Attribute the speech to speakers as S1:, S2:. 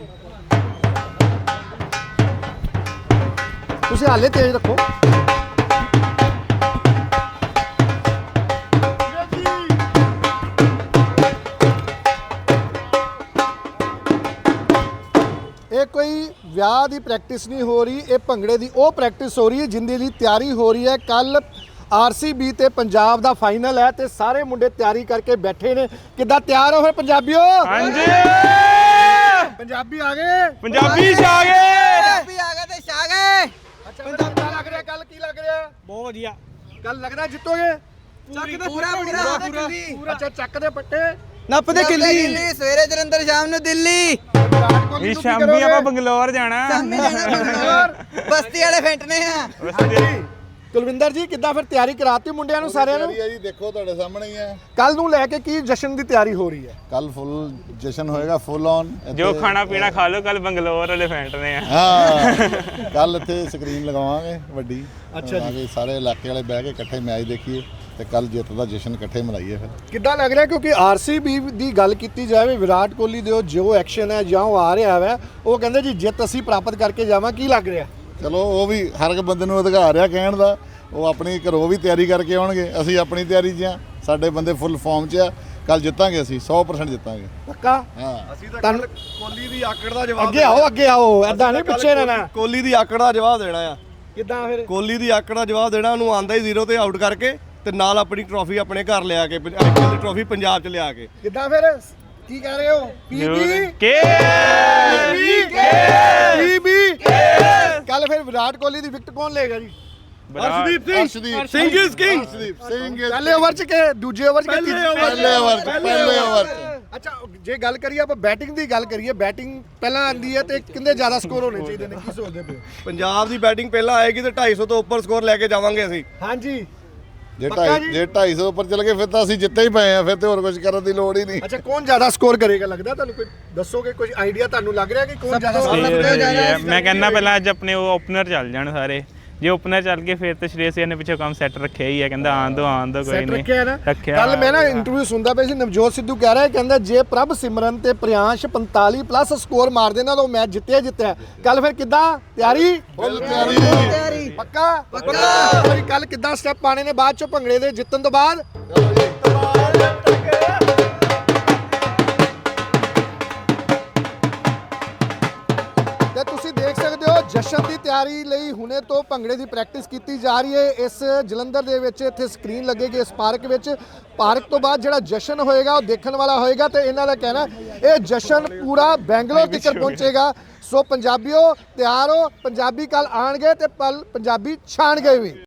S1: ਤੁਸੀਂ ਹਾਲੇ ਤੇਜ਼ ਰੱਖੋ। ਇਹ ਕੋਈ ਵਿਆਹ ਦੀ ਪ੍ਰੈਕਟਿਸ ਨਹੀਂ ਹੋ ਰਹੀ, ਇਹ ਭੰਗੜੇ ਦੀ ਉਹ ਪ੍ਰੈਕਟਿਸ ਹੋ ਰਹੀ ਹੈ ਜਿੰਦੇ ਲਈ ਤਿਆਰੀ ਹੋ ਰਹੀ ਹੈ। ਕੱਲ ਆਰਸੀਬੀ ਤੇ ਪੰਜਾਬ ਦਾ ਫਾਈਨਲ ਹੈ ਤੇ ਸਾਰੇ ਮੁੰਡੇ ਤਿਆਰੀ ਕਰਕੇ ਬੈਠੇ ਨੇ। ਕਿੱਦਾਂ ਤਿਆਰ ਹੋ ਫਿਰ ਪੰਜਾਬੀਓ?
S2: ਹਾਂਜੀ
S1: ਪੰਜਾਬੀ ਆ ਗਏ,
S2: ਪੰਜਾਬੀ ਛਾ ਗਏ,
S3: ਪੰਜਾਬੀ ਆ ਗਏ ਤੇ ਛਾ ਗਏ।
S1: ਅੱਛਾ ਕਿੱਦਾਂ ਲੱਗ ਰਿਹਾ? ਕੱਲ ਕੀ ਲੱਗ ਰਿਹਾ?
S2: ਬਹੁਤ ਵਧੀਆ।
S1: ਕੱਲ ਲੱਗਦਾ ਜਿੱਤੋਗੇ?
S3: ਪੂਰਾ ਪੂਰਾ
S1: ਅੱਛਾ ਚੱਕ ਦੇ ਪੱਟੇ
S3: ਨੱਪਦੇ ਕਿੱਲੀ ਸਵੇਰੇ ਜਲੰਧਰ, ਸ਼ਾਮ ਨੂੰ ਦਿੱਲੀ।
S1: ਵਿਰਾਟ ਕੋਹਲੀ
S2: ਇਹ
S1: ਨੂੰ ਕੀ
S2: ਸ਼ਾਮੀ
S1: ਕਰੋਗੇ?
S2: ਆਪਾਂ ਬੰਗਲੌਰ ਜਾਣਾ।
S3: ਸ਼ਾਮੀ ਜਾਣਾ ਬੰਗਲੌਰ, ਬਸਤੀ ਵਾਲੇ ਫੈਂਟਨੇ ਆ।
S1: ਹਾਂਜੀ ਕੁਲਵਿੰਦਰ ਜੀ ਕਿੱਦਾਂ ਫਿਰ ਤਿਆਰੀ ਕਰਾਤੀ ਮੁੰਡਿਆਂ ਨੂੰ ਸਾਰਿਆਂ ਨੂੰ?
S4: ਜੀ ਦੇਖੋ ਤੁਹਾਡੇ ਸਾਹਮਣੇ ਹੀ ਹੈ।
S1: ਕੱਲ ਨੂੰ ਲੈ ਕੇ ਕੀ ਜਸ਼ਨ ਦੀ ਤਿਆਰੀ ਹੋ ਰਹੀ ਹੈ?
S4: ਕੱਲ ਫੁੱਲ ਜਸ਼ਨ ਹੋਏਗਾ, ਫੁੱਲ ਔਨ।
S2: ਜੋ ਖਾਣਾ ਪੀਣਾ ਖਾ ਲਓ, ਕੱਲ ਬੰਗਲੌਰ ਵਾਲੇ ਫੈਂਟਨੇ ਆ।
S4: ਹਾਂ ਕੱਲ ਇੱਥੇ ਸਕਰੀਨ ਲਗਾਵਾਂਗੇ ਵੱਡੀ।
S1: ਅੱਛਾ ਜੀ।
S4: ਤਾਂ ਕਿ ਸਾਰੇ ਇਲਾਕੇ ਵਾਲੇ ਬਹਿ ਕੇ ਇਕੱਠੇ ਮੈਚ ਦੇਖੀਏ ਤੇ ਕੱਲ ਜਿੱਤ ਦਾ ਜਸ਼ਨ ਇਕੱਠੇ ਮਨਾਈਏ। ਫਿਰ
S1: ਕਿੱਦਾਂ ਲੱਗ ਰਿਹਾ? ਕਿਉਂਕਿ ਆਰਸੀਬੀ ਦੀ ਗੱਲ ਕੀਤੀ ਜਾਵੇ, ਵਿਰਾਟ ਕੋਹਲੀ ਦੇ ਜੋ ਐਕਸ਼ਨ ਹੈ ਜਾਂ ਉਹ ਆ ਰਿਹਾ ਹੈ, ਉਹ ਕਹਿੰਦੇ ਜੀ ਜਿੱਤ ਅਸੀਂ ਪ੍ਰਾਪਤ ਕਰਕੇ ਜਾਵਾਂ। ਕੀ ਲੱਗ ਰਿਹਾ?
S4: ਚਲੋ ਉਹ ਵੀ ਹਰ ਇੱਕ ਬੰਦੇ ਨੂੰ ਅਧਿਕਾਰ ਆ ਕਹਿਣ ਦਾ। ਉਹ ਆਪਣੀ ਘਰੋਂ ਵੀ ਤਿਆਰੀ ਕਰਕੇ ਆਉਣਗੇ, ਅਸੀਂ ਆਪਣੀ ਤਿਆਰੀ 'ਚ ਆ। ਸਾਡੇ ਬੰਦੇ ਫੁੱਲ ਫਾਰਮ 'ਚ ਆ। ਕੱਲ ਜਿੱਤਾਂਗੇ, ਅਸੀਂ 100% ਜਿੱਤਾਂਗੇ।
S1: ਪੱਕਾ?
S4: ਹਾਂ
S5: ਅਸੀਂ ਤਾਂ ਕੋਹਲੀ ਦੀ ਆਕੜ ਦਾ ਜਵਾਬ
S1: ਅੱਗੇ ਆਓ ਐਦਾਂ ਨਹੀਂ ਪਿੱਛੇ ਰਹਿਣਾ।
S5: ਕੋਹਲੀ ਦੀ ਆਕੜ ਦਾ ਜਵਾਬ ਦੇਣਾ ਆ।
S1: ਕਿੱਦਾਂ ਫਿਰ?
S5: ਕੋਹਲੀ ਦੀ ਆਕੜ ਦਾ ਜਵਾਬ ਦੇਣਾ, ਉਹਨੂੰ ਆਂਦਾ ਹੀ 0 ਤੇ ਆਊਟ ਕਰਕੇ ਤੇ ਨਾਲ ਆਪਣੀ ਟਰੋਫੀ ਆਪਣੇ ਘਰ ਲਿਆ ਕੇ, ਆਈਪੀਐਲ ਦੀ ਟਰੋਫੀ ਪੰਜਾਬ 'ਚ ਲਿਆ ਕੇ।
S1: ਕਿੱਦਾਂ ਫਿਰ? ਕੀ ਕਹਿ ਰਹੇ ਹੋ?
S2: ਕੇ
S1: ਕੱਲ ਫਿਰ ਵਿਰਾਟ ਕੋਹਲੀ ਦੀ ਵਿਕਟ ਕੌਣ ਲਏਗਾ ਜੀ?
S5: Arshdeep Singh is king.
S4: ਅਰਸ਼ਦੀਪ ਸਿੰਘ
S1: ਪਹਿਲੇ ਓਵਰ 'ਚ ਕਿ ਦੂਜੇ ਓਵਰ 'ਚ ਕਿ
S4: ਪਹਿਲੇ ਓਵਰ 'ਚ।
S1: ਅੱਛਾ ਜੇ ਗੱਲ ਕਰੀਏ ਆਪਾਂ ਬੈਟਿੰਗ ਦੀ ਗੱਲ ਕਰੀਏ, ਬੈਟਿੰਗ ਪਹਿਲਾਂ ਆਂਦੀ ਹੈ ਤੇ ਕਿੰਨੇ ਜ਼ਿਆਦਾ ਸਕੋਰ ਹੋਣੇ ਚਾਹੀਦੇ ਨੇ? ਕੀ ਸੋਚਦੇ ਪਏ?
S5: ਪੰਜਾਬ ਦੀ ਬੈਟਿੰਗ ਪਹਿਲਾਂ ਆਏਗੀ ਤੇ 250 ਤੋਂ ਉੱਪਰ ਸਕੋਰ ਲੈ ਕੇ ਜਾਵਾਂਗੇ ਅਸੀਂ।
S1: ਹਾਂਜੀ
S4: ਜੇ
S1: ਪੱਕਾ ਜੀ?
S4: 250 ਉੱਪਰ ਚਲ ਗਏ ਫਿਰ ਤਾਂ ਅਸੀਂ ਜਿੱਤੇ ਹੀ ਪਏ ਆ। ਫਿਰ ਤੇ ਹੋਰ ਕੁਝ ਕਰਨ ਦੀ ਲੋੜ ਹੀ ਨਹੀਂ।
S1: ਅੱਛਾ ਕੌਣ ਜ਼ਿਆਦਾ ਸਕੋਰ ਕਰੇਗਾ ਲੱਗਦਾ ਤੁਹਾਨੂੰ? ਕੋਈ ਦੱਸੋਗੇ, ਕੋਈ ਆਈਡੀਆ ਤੁਹਾਨੂੰ ਲੱਗ ਰਿਹਾ ਕਿ ਕੌਣ ਜ਼ਿਆਦਾ ਸਕੋਰ?
S2: ਮੈਂ ਕਹਿੰਦਾ ਪਹਿਲਾਂ ਅੱਜ ਆਪਣੇ ਉਹ ਓਪਨਰ ਚੱਲ ਜਾਣ ਸਾਰੇ। ਜੇ ਓਪਨਰ ਚੱਲ ਗਏ ਫਿਰ ਤੇ ਸ਼੍ਰੇਯਸ ਅਯਰ ਨੇ ਪਿੱਛੇ ਕੰਮ ਸੈੱਟ ਰੱਖਿਆ ਹੀ ਹੈ। ਕਹਿੰਦਾ ਆਉਣ ਦੋ ਕੋਈ
S1: ਸੈਟ
S2: ਨਹੀਂ
S1: ਰੱਖਿਆ ਨਾ।
S2: ਰੱਖਿਆ।
S1: ਕੱਲ ਮੈਂ ਨਾ ਇੰਟਰਵਿਊ ਸੁਣਦਾ ਪਿਆ ਸੀ, ਨਵਜੋਤ ਸਿੱਧੂ ਕਹਿ ਰਿਹਾ, ਕਹਿੰਦਾ ਜੇ ਪ੍ਰਭ ਸਿਮਰਨ ਤੇ ਪ੍ਰਿਆੰਸ਼ 45 ਪਲੱਸ ਸਕੋਰ ਮਾਰ ਦੇਣਾ ਤਾਂ ਉਹ ਮੈਚ ਜਿੱਤਿਆ। ਕੱਲ ਫਿਰ ਕਿੱਦਾਂ ਤਿਆਰੀ?
S4: ਫੁੱਲ ਤਿਆਰੀ।
S1: ਪੱਕਾ? ਕੱਲ ਕਿੱਦਾਂ ਸਟੈਪ ਪਾਣੇ ਨੇ ਬਾਅਦ ਚੋਂ ਭੰਗੜੇ ਦੇ ਜਿੱਤਣ ਤੋਂ ਬਾਅਦ? ਤੇ ਤੁਸੀਂ ਦੇਖ ਸਕਦੇ ਹੋ ਜਸ਼ਨ ਦੀ ਤਿਆਰੀ ਲਈ ਹੁਣੇ ਤੋਂ ਭੰਗੜੇ ਦੀ ਪ੍ਰੈਕਟਿਸ ਕੀਤੀ ਜਾ ਰਹੀ ਹੈ। ਇਸ ਜਲੰਧਰ ਦੇ ਵਿੱਚ ਇੱਥੇ ਸਕਰੀਨ ਲੱਗੇਗੀ ਇਸ ਪਾਰਕ ਵਿੱਚ। ਪਾਰਕ ਤੋਂ ਬਾਅਦ ਜਿਹੜਾ ਜਸ਼ਨ ਹੋਏਗਾ ਉਹ ਦੇਖਣ ਵਾਲਾ ਹੋਏਗਾ ਤੇ ਇਹਨਾਂ ਦਾ ਕਹਿਣਾ ਇਹ ਜਸ਼ਨ ਪੂਰਾ ਬੈਂਗਲੌਰ ਤੱਕ ਪਹੁੰਚੇਗਾ। ਸੋ ਪੰਜਾਬੀਓ ਤਿਆਰ ਹੋ, ਪੰਜਾਬੀ ਕੱਲ ਆਣਗੇ ਤੇ ਪੰਜਾਬੀ ਛਾਣਗੇ ਵੀ।